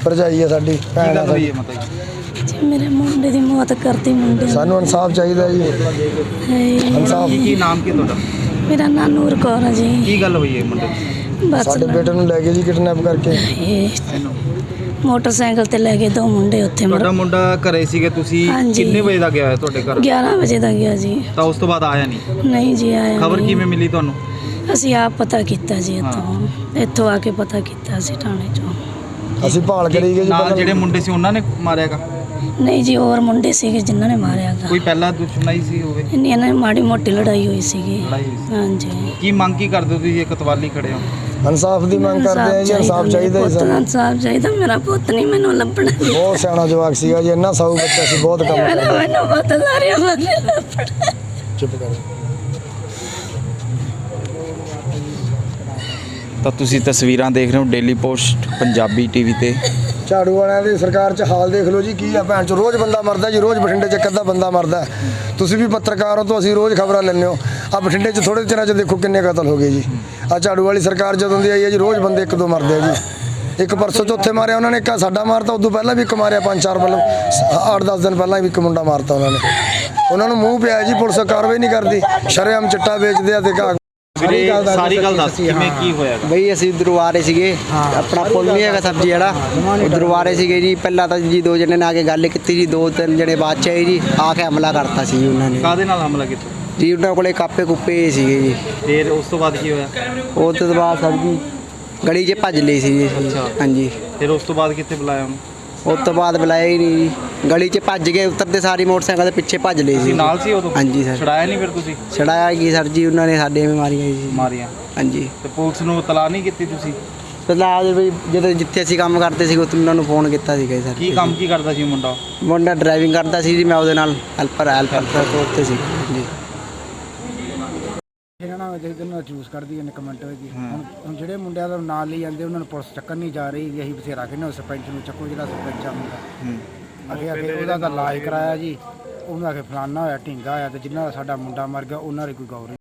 ਭਰਜਾਈ है साडी भैन है साडी। जी मेरे मुंडे दी मौत करती मुंडे सानू इंसाफ चाहिए जी। इंसाफ की नाम की ਤੁਹਾਡਾ? मेरा नाम नूर कौर है जी। ਕੀ ਗੱਲ ਹੋਈ ਹੈ ਮੁੰਡੇ ਦੀ? बस साडे बेटे नू ले गए जी किडनैप करके। मोटरसाइकिल ते ले गए 2 मुंडे उत्थे ਤੁਹਾਡਾ ਮੁੰਡਾ ਘਰੇ ਸੀਗੇ ਤੁਸੀਂ ਹਾਂਜੀ। ਕਿੰਨੇ ਵਜੇ ਦਾ ਗਿਆ ਹੈ ਤੁਹਾਡੇ ਘਰ? 11 ਵਜੇ ਦਾ ਗਿਆ ਜੀ। ਤਾਂ ਉਸ ਤੋਂ ਬਾਅਦ ਆਇਆ ਨਹੀਂ? ਨਹੀਂ ਜੀ ਆਇਆ ਖਬਰ ਨਹੀਂ। ਕਿਵੇਂ ਮਿਲੀ ਤੁਹਾਨੂੰ? ਅਸੀਂ ਆਪ ਪਤਾ ਕੀਤਾ ਜੀ ਇੱਥੋਂ ਆ ਕੇ ਪਤਾ ਕੀਤਾ ਸੀ ਥਾਣੇ ਚੋਂ। ਅਸੀਂ ਭਾਲ ਕਰੀ ਗਏ ਜੀ ਨਾਲ ਪਹਿਲਾਂ। ਜਿਹੜੇ ਮੁੰਡੇ ਸੀ ਉਹਨਾਂ ਨੇ ਮਾਰਿਆਗਾ? ਨਹੀਂ ਜੀ ਹੋਰ ਮੁੰਡੇ ਸੀਗੇ ਜਿਨ੍ਹਾਂ ਨੇ ਮਾਰਿਆ ਗਾ। ਕੋਈ ਪਹਿਲਾਂ ਦੁਸ਼ਮਣੀ ਸੀ ਹੋਵੇ? ਇੰਨੀ ਇਹਨਾਂ ਦੀ ਮਾੜੀ ਮੋਟੀ ਲੜਾਈ ਹੋਈ ਸੀਗੀ। ਲੜਾਈ ਹੋਈ ਸੀ। ਹਾਂਜੀ। ਕੀ ਮੰਗ ਕੀ ਕਰਦੇ ਹੋ ਤੁਸੀਂ ਇੱਕ ਤਵਾਲੀ ਖੜੇ ਹੋ? इंसाफ दी मांग करते हैं जी। इंसाफ चाहिए जी सानू। इंसाफ चाहिए। मेरा पुत नहीं मैनू लभना। बहुत सियाना जवाक सीगा जी इन्ना साऊ बच्चा सी बहुत काम करदा। मैनू पुत सारे बंदे लभना। चुप कर। ਤਾਂ ਤੁਸੀਂ ਤਸਵੀਰਾਂ ਦੇਖ ਰਹੇ ਹੋ ਡੇਲੀ ਪੋਸਟ ਪੰਜਾਬੀ ਟੀਵੀ ਤੇ। ਝਾੜੂ ਵਾਲਿਆਂ ਦੀ ਸਰਕਾਰ 'ਚ ਹਾਲ ਦੇਖ ਲਓ ਜੀ ਕੀ ਆ। ਭੈਣ 'ਚ ਰੋਜ਼ ਬੰਦਾ ਮਰਦਾ ਜੀ। ਰੋਜ਼ ਬਠਿੰਡੇ 'ਚ ਇੱਕ ਅੱਧਾ ਬੰਦਾ ਮਰਦਾ। ਤੁਸੀਂ ਵੀ ਪੱਤਰਕਾਰ ਹੋ ਤਾਂ ਅਸੀਂ ਰੋਜ਼ ਖਬਰਾਂ ਲੈਂਦੇ ਹੋ। ਆ ਬਠਿੰਡੇ 'ਚ ਥੋੜੇ ਚਿਰਾਂ 'ਚ ਦੇਖੋ ਕਿੰਨੇ ਕਤਲ ਹੋ ਗਏ ਜੀ। ਆ ਝਾੜੂ ਵਾਲੀ ਸਰਕਾਰ ਜਦੋਂ ਦੀ ਆਈ ਹੈ ਜੀ ਰੋਜ਼ ਬੰਦੇ ਇੱਕ ਦੋ ਮਰਦੇ ਆ ਜੀ। ਇੱਕ ਪਰਸੋਂ ਚੌਥੇ ਮਾਰਿਆ ਉਹਨਾਂ ਨੇ, ਇੱਕ ਸਾਡਾ ਮਾਰਤਾ। ਉਦੋਂ ਪਹਿਲਾਂ ਵੀ ਇੱਕ ਮਾਰਿਆ 5-4 ਮਤਲਬ 8-10 ਦਿਨ ਪਹਿਲਾਂ ਵੀ ਇੱਕ ਮੁੰਡਾ ਮਾਰਤਾ ਉਹਨਾਂ ਨੇ। ਉਹਨਾਂ ਨੂੰ ਮੂੰਹ ਪਿਆ ਜੀ ਪੁਲਿਸ ਕਾਰਵਾਈ ਨਹੀਂ ਕਰਦੀ। ਸ਼ਰੇਆਮ ਚਿੱਟਾ ਵੇਚਦੇ ਆ ਤੇ ਸਾਰੀ ਗੱਲ ਦੱਸ ਕਿਵੇਂ ਕੀ ਹੋਇਆ? ਬਈ ਅਸੀਂ ਉਧਰੋਂ ਆ ਰਹੇ ਸੀਗੇ ਆਪਣਾ ਪੁੱਲ ਨਹੀਂ ਹੈਗਾ ਸਬਜ਼ੀ ਵਾਲਾ, ਉਧਰੋਂ ਆ ਰਹੇ ਸੀਗੇ ਜੀ। ਪਹਿਲਾਂ ਤਾਂ ਜੀ 2 ਜਣੇ ਨੇ ਆ ਕੇ ਗੱਲ ਕੀਤੀ ਜੀ, 2-3 ਜਣੇ ਬਾਅਦ ਚ ਆਏ ਜੀ, ਆ ਕੇ ਹਮਲਾ ਕਰਤਾ ਸੀ ਜੀ ਉਹਨਾਂ ਨੇ। ਕਾਹਦੇ ਨਾਲ ਹਮਲਾ ਕੀਤਾ ਜੀ ਉਹਨਾਂ ਕੋਲੇ ਕਾਪੇ ਕੁੱਪੇ ਸੀਗੇ ਜੀ। ਫਿਰ ਉਸ ਤੋਂ ਬਾਅਦ ਕੀ ਹੋਇਆ? ਉਹ ਤੋਂ ਬਾਅਦ ਸਬਜ਼ੀ ਗਲੀ 'ਚ ਭੱਜ ਲਈ ਸੀ ਜੀ। ਹਾਂਜੀ। ਫਿਰ ਉਸ ਤੋਂ ਬਾਅਦ ਕਿੱਥੇ ਬੁਲਾਇਆ ਉਹਨੂੰ? ਉਸ ਤੋਂ ਬਾਅਦ ਬੁਲਾਇਆ ਹੀ ਨਹੀਂ ਜੀ। ਗਲੀ 'ਚ ਭੱਜ ਗਏ, ਉਤਰਦੇ ਸਾਰੀ ਮੋਟਰਸਾਈਕਲ ਦੇ ਪਿੱਛੇ ਭੱਜ ਲਏ ਸੀ। ਤੁਸੀਂ ਨਾਲ ਸੀ ਉਦੋਂ? ਹਾਂਜੀ ਸਰ। ਛੜਾਇਆ ਨਹੀਂ ਫਿਰ ਤੁਸੀਂ? ਛੜਾਇਆ ਕੀ ਸਰ ਜੀ, ਉਹਨਾਂ ਨੇ ਸਾਡੇ ਮਾਰੀਆਂ ਜੀ। ਮਾਰੀਆਂ? ਹਾਂਜੀ। ਤੇ ਪੁਲਿਸ ਨੂੰ ਇਤਲਾਹ ਨਹੀਂ ਕੀਤੀ ਤੁਸੀਂ? ਪਹਿਲਾਂ ਵੀ ਜਦੋਂ ਜਿੱਥੇ ਅਸੀਂ ਕੰਮ ਕਰਦੇ ਸੀ ਉੱਥੇ ਉਹਨਾਂ ਨੂੰ ਫੋਨ ਕੀਤਾ ਸੀਗਾ ਸਰ। ਕੀ ਕੰਮ ਕੀ ਕਰਦਾ ਸੀ ਮੁੰਡਾ? ਮੁੰਡਾ ਡਰਾਈਵਿੰਗ ਕਰਦਾ ਸੀ ਜੀ, ਮੈਂ ਉਹਦੇ ਨਾਲ ਹੈਲਪਰ ਤੌਰ ਤੇ ਸੀ ਜੀ। ਇਹਨਾਂ ਨਾਲ ਜਿਹਦੇ ਚੂਜ਼ ਕਰਦੀ ਹੈ ਕਮੈਂਟ ਹੋਏਗੀ। ਹੁਣ ਜਿਹੜੇ ਮੁੰਡਿਆਂ ਦਾ ਨਾਂ ਲਈ ਜਾਂਦੇ ਉਹਨਾਂ ਨੂੰ ਪੁਲਿਸ ਚੱਕਣ ਨਹੀਂ ਜਾ ਰਹੀ। ਅਸੀਂ ਬਥੇਰਾ ਕਹਿੰਦੇ ਸਰਪੰਚ ਨੂੰ ਚੱਕੋ, ਜਿਹੜਾ ਸਰਪੰਚ ਆ ਮੁੰਡਾ ਅੱਗੇ ਉਹਦਾ ਤਾਂ ਇਲਾਜ ਕਰਾਇਆ ਜੀ। ਉਹਨਾਂ ਆਖੇ ਫਲਾਨਾ ਹੋਇਆ ਢੀਂਗਾ ਹੋਇਆ ਤੇ ਜਿਨ੍ਹਾਂ ਦਾ ਸਾਡਾ ਮੁੰਡਾ ਮਰ ਗਿਆ ਉਹਨਾਂ ਦੀ ਕੋਈ ਗੌਰ